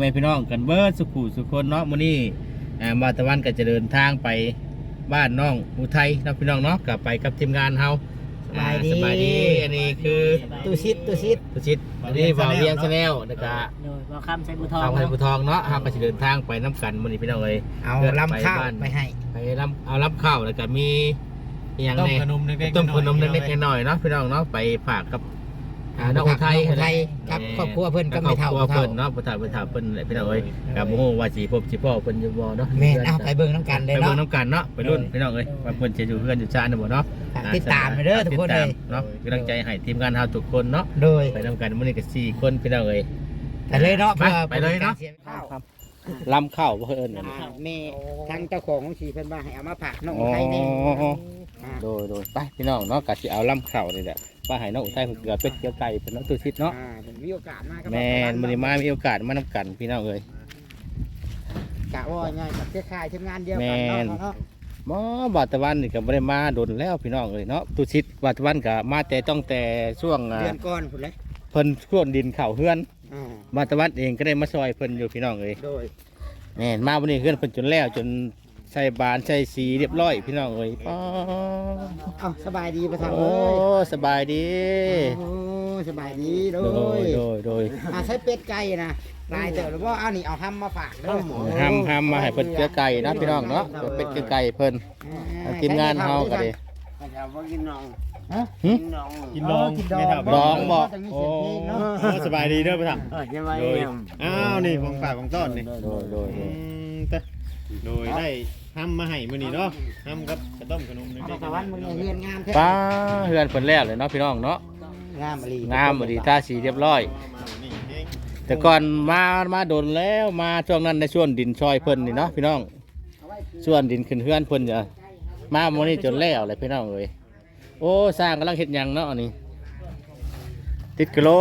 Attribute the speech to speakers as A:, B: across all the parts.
A: ม่พี่น้องกันเบิดสุขุสุคนเนาะมื้อนี้มาตะวันก็จะเดินทางไปบ้านน้องอุทัยนะพี่น้องเนาะก็ไปกับทีมงานเฮาสบายดีอันนี้คือ
B: ตุชิด
A: อันนี้บ่าวเวียงชาแนลแล้วก็
B: โดยบ่คำใส่บุทอง
A: ทางไทยบุทองเนาะเฮาก็สิเดินทางไปน้ำกันมื้อนี้พี่น้องเอ้ย
B: เอาลำข้าวไปให้
A: เอาลำข้าวแล้วก็มีอีหยังแน่
C: ต้มขนมเล็กๆ
A: เล็กๆน้อยๆเนาะพี่น้องเนาะไปฝากกับน้องอุทัย
B: ครับครอบครัวเพิ่นก็
A: คร
B: ไม่
A: อบ
B: เท่า
A: ครัวเพิ่นเนาะบ่เฒ่าเพิ่นแหละพี่น้องเอ้ยก็บ่ฮู้ว่าสิพบสิพ่อเพิ่นอยู่บ่เนาะ
B: แม่นเอาไปเบิ่งน้ำกันเลย
A: ไป
B: เนาะ
A: เบิ่งน้ำกันเนาะไปรุ่นพี่น้องเอ้ยว่าเพิ่นจะอยู่เพื่อนอยู่ชาติบ่เนาะ
B: ติดตามไปเด้อทุกคนเลย
A: เนาะกำลังใจให้ทีมงานเฮาทุกคนเนาะ
B: โดย
A: ไปนำกันมื้อนี้ก็4คนพี่น้องเอ้ย
B: ไปเลยเนาะ
A: ไปเลยเนาะลำข้าวบ่เอิ้นอันนี้
B: แม่ทางเจ้าของสีเพิ่นว่าให้เอามาฝากน้องอุทัยนี่
A: โดยไปพี่น้องเนาะก็สิเอาลำข้าวนี่แหละว่าให้น้องอุทัยเพิ่นเกลือเป็ดเกลือไก่เพิ่นเนาะตุชิดเนาะ
B: มีโอกาสมาก็
A: แม่นมื้อนี้มีโอกาสมานำกันพี่น้องเอ้ย
B: กะว่าง่ายกับเครือข่ายทีมงานเดียวกันเนาะ
A: หมอบาตะวันนี่ก็บ่ได้มาโดนแล้วพี่น้องเอ้ยเนาะตุชิดบาตะวันก็มาแต่ต้องแต่ช่วง
B: เดือนก่อนพุ่นเลย
A: เพิ่นช่วงดินเข้าเฮือน
B: อ่า
A: บาตะวันเองก็ได้มาซอยเพิ่นอยู่พี่น้องเอ้ย
B: โดย
A: แม่นมาวันนี้เฮือนเพิ่นจนแล้วจนใส่บานใส่สีเรียบร้อยพี่น้องเอ้ยป้า
B: เอาสบายดีประทัง
A: โอ้
B: เลย
A: สบายดี
B: โอ้สบายดีโด
A: โดย
B: ใช้เป็ดไก่นะลายเต๋อหรือว่าเอานี่เอาห้ำมาฝากเด้อ
A: ห้ามมาให้เพิ่นเกลือไก่นะพี่น้องเนาะเป็ดเกลือไก่เพิ่นทีมงานเฮาก็ดิ
C: กินน้อง
A: หึ
C: กินน้องไม่ทำ
A: ดองบ่โอ้
C: สบายดีเด้อพ่อถัง
B: ยังไง
C: โดยอ้าวนี่ของฝากของต้อนนี่
A: โดย
C: โดยได้ทำมาให้มื้อนี้เนาะทำกับกระต้มขนมเล็ก
B: ตะวันมึงเฮือนงามแท้
A: ป้าเฮือนเพิ่นแล้วเลยเนาะพี่น้องเนาะ
B: งามอลี
A: งามดีท่าสีเรียบร้อย
C: นี่เอง
A: แต่ก่อนมาโดนแล้วมาช่วงนั้นในช่วงดินซอยเพิ่นนี่เนาะพี่น้องส่วนดินขึ้นเฮือนเพิ่นจะมาโมนี่จนแล้วเลยพี่น้องเอ้ยโอ้สร้างกำลังเฮ็ดหยังเนาะอันนี้ติดกิโล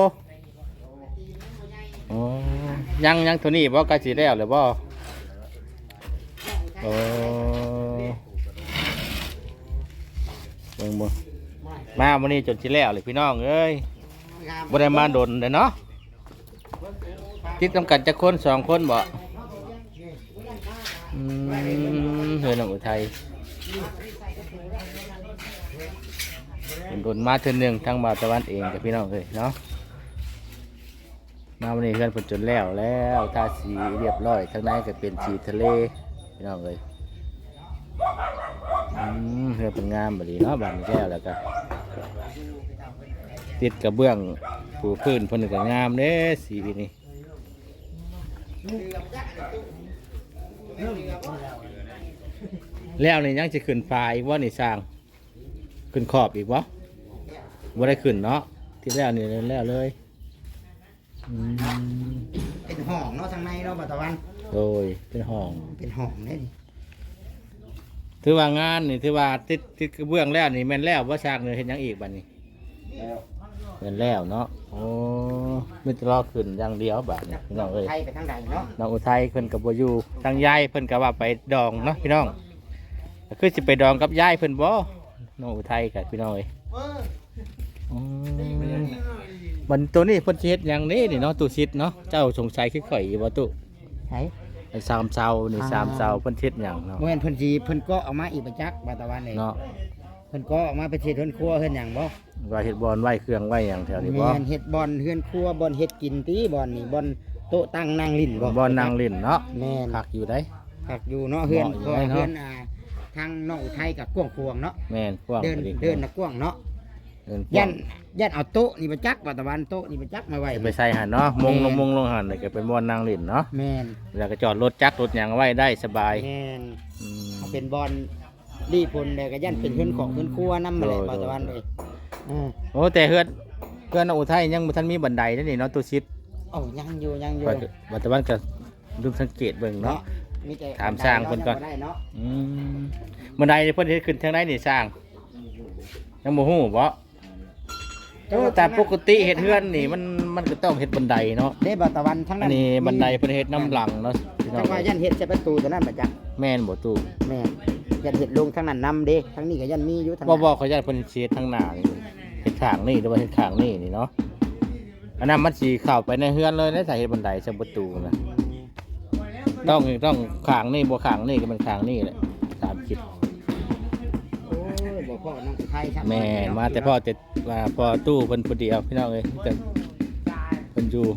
A: โอ้ยังตัวนี้บ่ใกล้สิแล้วเลยบ่โอ้เบิ่งบ่มาโมนี่จนสิแล้วเลยพี่น้องเอ้ยบ่ได้มาโดนเลยเนาะติดกำกันจะคน2 คนบ่เฮือนของอุทัยโดนมาเทื่อนึงทางบ่าวตะวันเองกับพี่น้องเลยเนาะมาวันนี้เฮือนเพิ่นจนแล้วทาสีเรียบร้อยทางในก็เป็นสีทะเลพี่น้องเลยเฮือนเป็นงามบัดนี้เนาะบัดนี้แล้วก็ติดกระเบื้องปูพื้นเพิ่นก็งามเด้สีนี้แล้วนี่ยังจะขึ้นฟ้าอีกว่านี่สร้างขึ้นขอบอีกวะบ่ได้ขึ้นเนาะที่แล้วนี่แล้วเลย
B: เป็นห้องเนาะทางในเนาะตะวัน
A: โดยเป็นห้อง
B: เป็นห้องนี่
A: ถือว่างานนี่ถือว่าติดกระเบื้องแล้วนี่แม่นแล้วว่าสร้างเลยเห็นยังอีกบัดนี้แม่นแล้วเนาะโอ้ไม่ตรอขึ้นอย่างเดียวบัดนี้พี่น้องเอ้ย
B: ไทยไปทางใดเนาะ
A: น้องอุทัยเพิ่นกับบ่อยู่ทางยายเพิ่นก็ว่าไปดองเนาะพี่น้องคือสิไปดองกับยายเพิ่นบ่น้องอุทัยกับพี่น้องเอ้ยมันตัวนี้เพิ่นสิเฮ็ดหยังนี่เนาะตู้ชิดเนาะเจ้าสงสัยคือข่อยอยู่บ่ตู้
B: ไทย
A: ไอ้3เสานี่3เสาเพิ่นเฮ็ดหยังเนาะ
B: เมื่อเพิ่นจีเพิ่นก็เอามาอีกประจักษ์ตะวันเลย
A: เนาะ
B: เพิ่นก็ออกมาเป็นเฮ็ดเฮือนครัวเฮือนหยังบ่
A: ว่าเฮ็ดบอนไว้เครื่องไว้หยังแถวนี้บ่
B: แม่นเฮ็ดบอนเฮือนครัวบอนเฮ็ดกินตีบอนนี่บอนโต๊ะตั้งนั่งลิ้นบ่
A: บอนนางเล่นเนาะ
B: แม่น
A: คักอยู่ได้
B: ผักอยู่เนาะเฮือน
A: เหมาะอยู่
B: ก็
A: ได้เนาะ
B: เฮือนทางน้องอุทัยกับกวางควงเนาะ
A: แม่นกว้าง
B: เดิน
A: พอ
B: เดินนะกวางเนาะ
A: เดินก
B: ยั
A: ว้าง
B: นยันเอาโต๊ะนี่ไปจักว่าตะวันโต๊ะนี่ไปจักมาไว้
A: ไปใส่หั่นเนาะมงลงหั่นนี่ก็เป็นบอนนางเล่นเนาะ
B: แม่น
A: แล้วก็จอดรถจักรรถหยังไว้ได้สบาย
B: แม่น
A: อืม
B: เอาเป็นบอนดีพลเลยก็ยันเป็นเฮือนของเฮือนครัวนำมาเลย
A: โดย
B: ว่าตะวันเลย
A: โอ้แต่เฮือนอุทัยยังบ่ทันมีบันไดนั่นนี่เนาะตัวชิด
B: โอ้ยังอยู่ยังอยู่
A: ปัจจุบันก็ดูสังเกตเบิ่งเนาะ
B: มีแต่
A: ถามสร้างเพิ่นก่อน
B: ได้เนาะ
A: อืมบันไดเพิ่นเฮ็ดขึ้นทางไหนนี่สร้างยังบ่ฮู้บ่แต่ปกติเฮ็ดเฮือนนี่มันก็ต้องเฮ็ดบันไดเนาะ
B: ได้บ่ตะวันทั้ง
A: อั
B: นั้น น
A: นี้บันไดเพิ่นเฮ็ดน้ำหลังเนาะพี่น้
B: จั
A: อง
B: งว่ายันเฮ็ดใส่ประตูตัวนั้นมาจัก
A: แม่นบ่ตู้
B: แม่นยันเฮ็ดลงทั้งนั้นนำเด้ทั้งนี้ก็ยันมีอยู่ทั้ง
A: บ่
B: นั้น
A: บ่เขาญาติเพิ่นเฮ็ดทางหน้านี่เฮ็ดข้างนี่หรือว่าเฮ็ดข้างนี่นี่เนาะอันนั้นมันสิเข้าไปในเฮือนเลยในสายเฮ็ดบันไดใส่ประตูนะต้องขางนี่บ่ขางนี่ก็มันขางนี่แหละตามคิด
B: โอ้ยบ่พ่อน้องไทยครับ
A: แม่มาแต่พ่อแต่ว่าพ่อตู้เพิ่นผู้เดียวพี่น้องเอ้ยแต่เพิ่นอยู่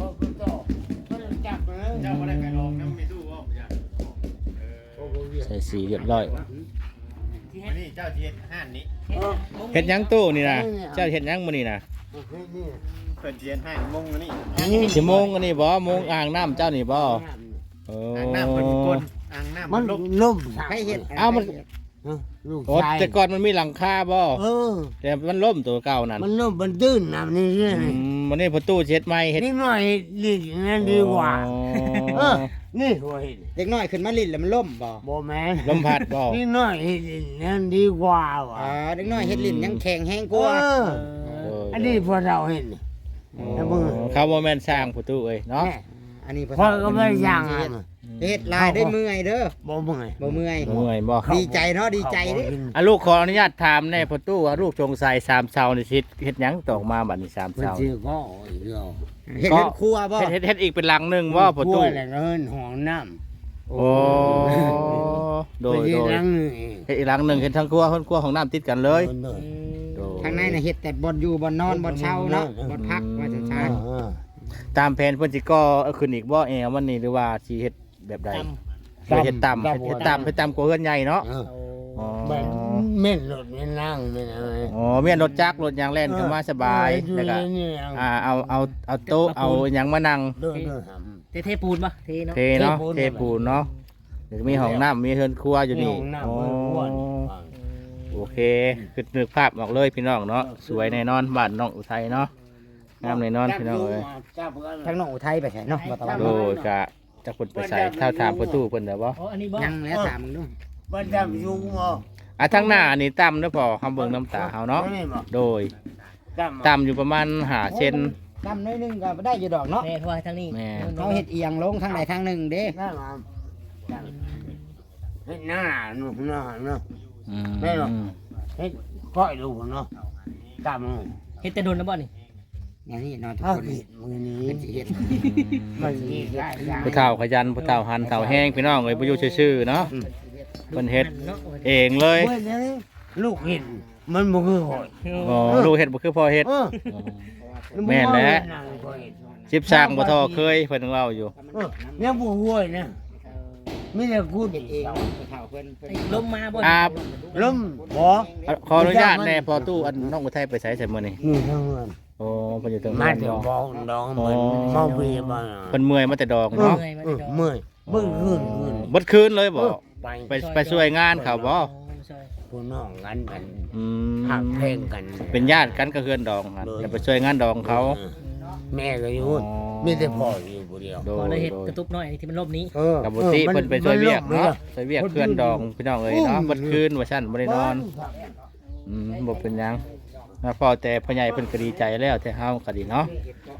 C: เจ้าบ่ได้ไปลองน้ำมีตู้บ่จ้ะ
A: ใส่สีเรียบร้อย
C: วันนี้เจ้าสิเฮ็ดห้านนี้
A: เฮ็ดหยังตู้นี่นะเจ้าเฮ็ดหยังมื้อนี้นะ
C: เพิ่นสิเฮ็ดห้านมงอันนี้
A: สิโมงอันนี้บ่โมงอ่างน้ำเจ้านี่บ่โอ้
C: อ่างน้ำเพิ่นกลอ่างน้ำ
D: มัน
C: ลบ
D: ล่ม
B: ให้เฮ็ด
A: เอ้ามัน
D: ลูก
A: โอ้
D: ชาย
A: แต่ก่อนมันมีหลังคาบ่
D: เออ
A: แต่มันล่มตัวเก่านั่น
D: มันล่มมันตื้นน้ำนี่เรื่อย
A: วันนี้ประตูเช็ดใหม่เฮ็ด
D: นิดหน่อยดีนั่นดีกว่า เออ นี่หัวเห็น
B: เด็กน้อยขึ้นมาลิ้นแล้วมันล่มบ่
D: บ่แม่น
A: ลมพัดบ่
D: นิดหน่อยเห็นนั่นดีกว่าว่ะ
B: อ๋อเด็กน้อยเฮ็ดลิ้นยังแข็งแห้งก
D: เอ
B: ว่า
D: อ อันนี้พอเราเห็น แล้วมึง
A: เขาบ่แม่นสร้างประตูเอ้ยเนาะ
D: แม่
B: อันนี้
D: พ่อก็ไม่ย่างอ่ะ
B: เฮ็ดลายได้เมื่อยเด้อ
D: บ่เมื่อย
B: บ่เมื่อย
A: เมื่อยบ่
B: ดีใจเนาะดีใจเด้
A: อ่ะลูกขออนุญาตถามแน่ประตูว่าลูกจงใส่3เสานี่สิเฮ็ดหยังตอกมาบัดนี้3
D: เพิ่น
A: เสา
D: สิก็อีกแล้ว
B: เฮ็ดเฮ็ดครัวบ่
A: เฮ็ดอีกเป็นหลังหนึงบ่ประตู
D: กล้วยแล้วเฮินห้องน้ำ
A: โอ้โดย
D: เพิ่นสินั่งนี่
A: เฮ็ดอีกหลังหนึงเฮ็ดทั้งครัวห้องครัวของน้ำติดกันเลย
D: เพิ่นเด้อ
A: โดย
B: ทางในน่ะเฮ็ดแต่บ่อนอยู่บ่อนนอนบ่อนเช่าเนาะบ่อนพักว่าจะชา
D: เออ
A: ตามแผนเพิ่นสิก่อเอาขึ้นอีกบ่แอววันนี้หรือว่าสิเฮ็ดแบบใดเฮ็ดต่ำเฮ็ดต่ำกว่าเฮือนใหญ่เนาะ
D: เออ
A: อ๋อ
D: แบบเม่นรถไม่นั่งไม่อะไร
A: อ๋อเมียนรถจักรรถยางแล่นเข้ามาสบายแล้วก็เอาโต๊ะเอาหยังมานั่ง
D: เดินท
E: เทปูนปะเทเนาะ
A: เทเนาะเทปูนเนาะเดี๋ยวมีห้องน้ำมีเฮือนครัว
D: ำ
A: อยู่นี่
D: ห้งำ
A: อ๋อ
D: เบิ่งอ้วน
A: โอเคคือนึกภาพออกเลยพี่น้องเนาะสวยแน่นอนบ้านน้องอุทัยเนาะงามแน่นอนพี่น้องเอ้ย
D: จับกัน
B: ทางน้องอุทัยไปไสเนาะบ่ตะวัน
A: โดยกะจะคนไปใส่เท่าถามประตูเพิ่นได้บ่
E: อ๋ออันนี้บ่
B: ยังแล้วถามมึงดู
D: มันจับยุงบ่
A: อ่ะทางหน้าอันนี้ต่ำเด้อพอเฮาเบิ่งน้ำตาเฮาเนาะ
D: ไม่บ่
A: โดย
D: จับ
A: ต่ำอยู่ประมาณ5เซน
B: ดำน้อยหนึงก็ได้อยู่ดอกเนาะ
E: แม่ทวายทางนี้
A: แม่
B: เขาเฮ็ดเอียงลงทางใดทางหนึ่งเด้
D: ได้มาจับเฮ็ดหน้าหนูหน้าเนาะ
A: อืม
D: ได้หรอ เฮ็ดก้อยลูกเนาะจับมัน
E: เฮ็ดแต่โดนแล้วบ่นี่
B: อย่างนี้เนาะทุก
D: ถ้า
B: คน
D: ผิดมือนี้
B: เป็นสิเฮ็ด
D: มันสิได้ได้
A: ผู้เฒ่าขยันผู้เฒ่าหันเฒ่าแห้งพี่น้องเอ้ยบ่อยู่ซื่อๆเนาะเพิ่นเฮ็ด
E: เนาะ
A: เองเลย
D: เว้ยเดี๋ยวนี้ลูกเห็นมันบ่คือข่อย
A: อ๋อลูกเฮ็ดบ่คือพ่อเฮ็ด
D: เออ
A: แม่นแหละ
D: นางข่อยเฮ็ด
A: สิบสร้างบ่ทอเคยเพิ่นเว้าอยู่
D: เออยังบ่ห่วยนะมีแต่กู
B: เฮ็ดเองผู้เฒ่าเพิ่น
E: ลมมาบ่
A: อ่า
D: ล้มบ่
A: ขออนุญาตแน่พอตู้อันน้องอุทัยไปไสใส่มื้อนี้
D: นี่ทั้งเงิน
A: โอ้เพิ่นอยู่ตรง
D: มา
A: นั้น
D: ถึง
A: เนาะ
D: บ่ดองเหมือนเมาเบียร์บ้าน
A: เพิ่นเมื่อยมาแต่ดอกเนาะ
D: เมื่อยเบิ่งคืน
A: เบิดคืนเลยบ่
D: ไป
A: ไปช่วยงานเขาบ่
D: ผู้น้องกันกัน
A: อื
D: หัก
A: ม
D: เพลงกัน
A: เป็นญาติกันก็เฮือนดองครับจะไปช่วยงานดองเขา
D: แม่ก็อยู่
A: อ๋อ
D: มีแต่พ่ออยู่ผู้เดียว
A: โด
E: พอยได้เฮ็ด
A: โดย
E: กระตุกน้อยที่มันลบนี้
A: กับบุตรีเพิ่นไปช่วยเวียกเนาะช่วยเวียกเพื่อนดองพี่น้องเอ้ยเนาะเบิดคืนว่าซั่นบ่ได้นอนบ่เป็นหยังนะพ่อแต่พ่อใหญ่เพิ่นก็ดีใจแล้วแต่เฮาก็ดีเนาะ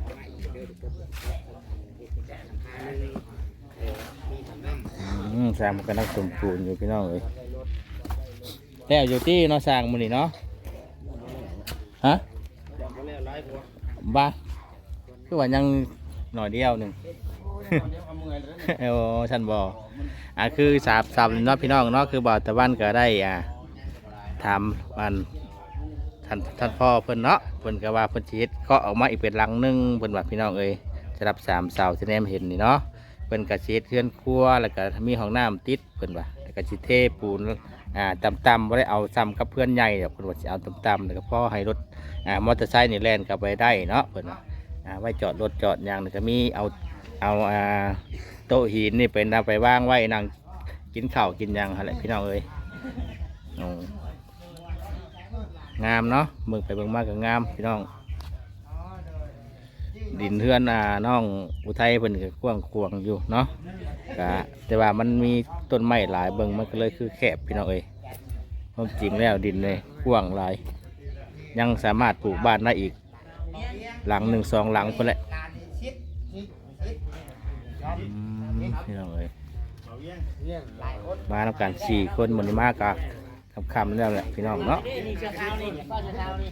A: สร้างมันก็นักสมบูรณ์อยู่พี่น้องเอ้ยแล้วอยู่ที่เนาะสร้างมื้อนี้เนาะฮะบ้าคือว่ายังหน่อยเดียวหนึง เออฉันบอกคือสามเนาะพี่น้องเนาะคือบ่าวตะวันก็ได้ถามวันท่านพ่อเพิ่นเนาะเพิ่นก็ว่าเพิ่นสิเฮ็ดก็ออกมาอีกเป็นหลังหนึงเพิ่นว่าพี่น้องเอ้ยจะรับ3เสาที่แนมเห็นนี่เนาะเพิ่นก็สิเฮ็ดเรือนครัวแล้วก็มีห้องน้ำติดเพิ่นว่าแล้วก็สิเทปูนต่ำๆบ่ได้เอาซ้ำกับเพื่อนใหญ่ดอกเพิ่นว่าสิเอาต่ำๆแล้วก็พอให้รถมอเตอร์ไซค์นี่แล่นกลับไปได้เนาะเพิ่นว่าไว้จอดรถจอดหยังแล้วก็มีเอาโต๊ะหินนี่เป็นเอาไปว่างไว้นั่งกินข้าวกินหยังอะไรพี่น้องเอ้ยงามเนาะเมืองไปเมืองมากก็งามพี่น้องดินเทือนน้องอุทัยเพิ่นก็กว้างขวางอยู่เนาะก็แต่ว่ามันมีต้นไม้หลายเบิ่งมันก็เลยคือแคบพี่น้องเอ้ยความจริงแล้วดินเลยกว้างหลายยังสามารถปลูกบ้านได้อีกหลัง1 2หลังคนแหละพี่น้องเอ้ยมาทำการ4 คนหมดนี้มากกะธรคำๆแล้วแหละพี่น้องเนาะ
E: นี่เสื้อขาวนี่ป้าเสื้อขาวนี่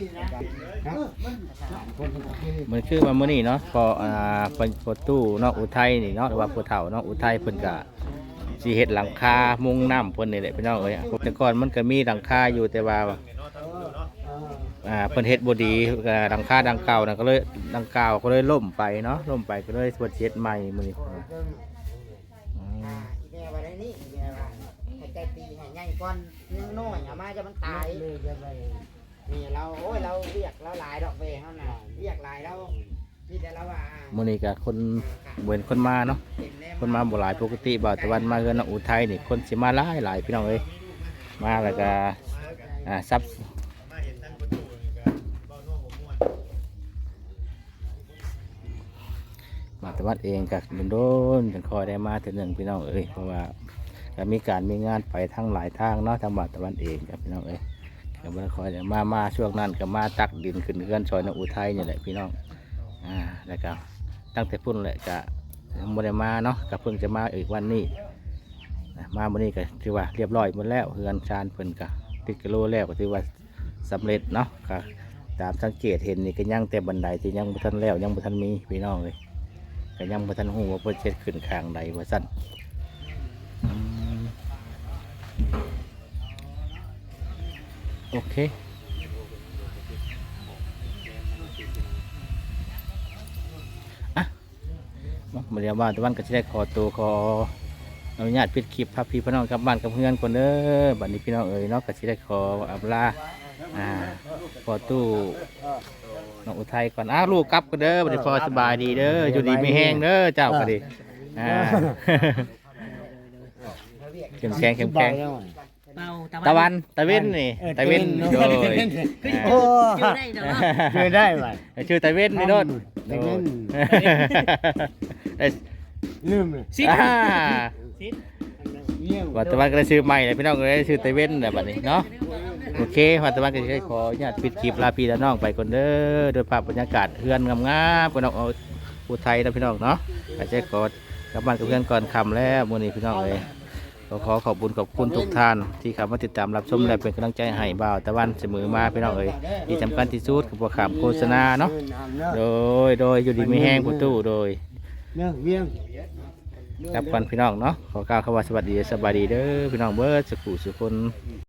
A: มันคือว่ามื้อนี้เนาะพอประตูเนาะอุทัยนี่เนาะหรือว่าผู้เฒ่าเนาะอุทัยเพิ่นก็สิเฮ็ดหลังคามุงน้ำเพิ่นนี่แหละพี่น้องเอ้ยแต่ก่อนมันก็มีหลังคาอยู่แต่ว่าเพิ่นเฮ็ดบ่ดีหลังคาดังเก่านั่นก็เลยดังเก่าก็เลยล่มไปเนาะล่มไปก็เลยเพิ่นเฮ็ดใหม่มื้อนี้
B: อีแม่ว่าได้นี่อีแม่ว่าให้ใจตีให้ใหญ่ก่อนยังน้อยเอามาจะมันตายนี่เราโอ้ยเราเรียกเราหลายดอกเบี้ยเฮาน่ะเรียกหลายเรามีแต่เราว่า
A: มื้อนี้ก็คนเว้นคนมาเนาะคนมาบ่หลายปกติบ่าวตะวันมาเฮือนอุทัยนี่คนสิมาหลายพี่น้องเอ้ยมาแล้วก็ซับบ่าวตะวันเองก็โดนๆจังคอยได้มาเทื่อหนึงพี่น้องเอ้ยเพราะว่าก็มีการมีงานไปทั้งหลายทางเนาะทางบ่าวตะวันเองครับพี่น้องเอ้ยก็บ่ได้คอยได้มาช่วงนั้นก็มาตักดินขึ้นเฮือนซอยนอุทัยนี่แหละพี่น้องแล้วก็ตั้งแต่พุ่นแหละก็ยังบ่ได้มาเนาะก็เพิ่งจะมาอีกวันนี้มาวันนี้ก็ถือว่าเรียบร้อยหมดแล้วเฮือนชานเพิ่นก็ติดกิโลแล้วก็ถือว่าสำเร็จเนาะก็ตามสังเกตเห็นนี่ก็ยังแต่บันไดที่ยังบ่ทันแล้วยังบ่ทันมีพี่น้องเลยก็ยังบ่ทันฮู้ว่าเพิ่นเฮ็ดขึ้นข้างใดว่าซั่นโอเคมาเรียกว่าตะวันก็จะได้ขอตัวขออนุญาตปิดคลิปพาพี่พี่น้องกลับบ้านกับเพื่อนคนเด้อบัดนี้พี่น้องเอ๋ยเนาะก็จะได้ขออำลาขอตู้น้องอุทัยก่อนลูกกลับกันเด้อบัดนี้พอสบายดีเด้ออยู่ดีไม่แห้งเด้อเจ้าก็ดีเข้มแข็งเข้มแข็ง
E: เป่า
A: ตะวันตะเว้นนี่ตะเว้นโดย
B: โอ้
E: ชื่อได้เนาะ
B: ช่วยได้ไหม
A: ชื่อตะเว้นนี่โดด
B: ตะเว้น
A: ได้
B: ลืมเลย
E: สิ
A: วัตวันก็ได้ชื่อใหม่เลยพี่น้องก็ได้ชื่อเตเว่นแบบนี้เนาะโอเควัตวันก็จะได้ขออนุญาตปิดคลิปลาพี่และน้องไปก่อนเด้อโดยภาพบรรยากาศเฮือนงามๆพี่น้องอุทัยนะพี่น้องเนาะก็จะขอกลับบ้านกับเพื่อนก่อนค่ำแล้วมื้อนี้พี่น้องเลยก็ขอขอบคุณทุกท่านที่เข้ามาติดตามรับชมและเป็นกำลังใจให้บ่าวตะวันเสมอมาพี่น้องเอ้ยที่สำคัญที่สุดคือพวกข่าวโฆษณาเนาะโดยอยู่ดีไม่แห้งประตูโดย
B: เวียง
A: กับกันพี่น้องเนาะขอกล่าวคำว่าสวัสดีสบายดีเด้อพี่น้องเบิร์ดสุขุสุคน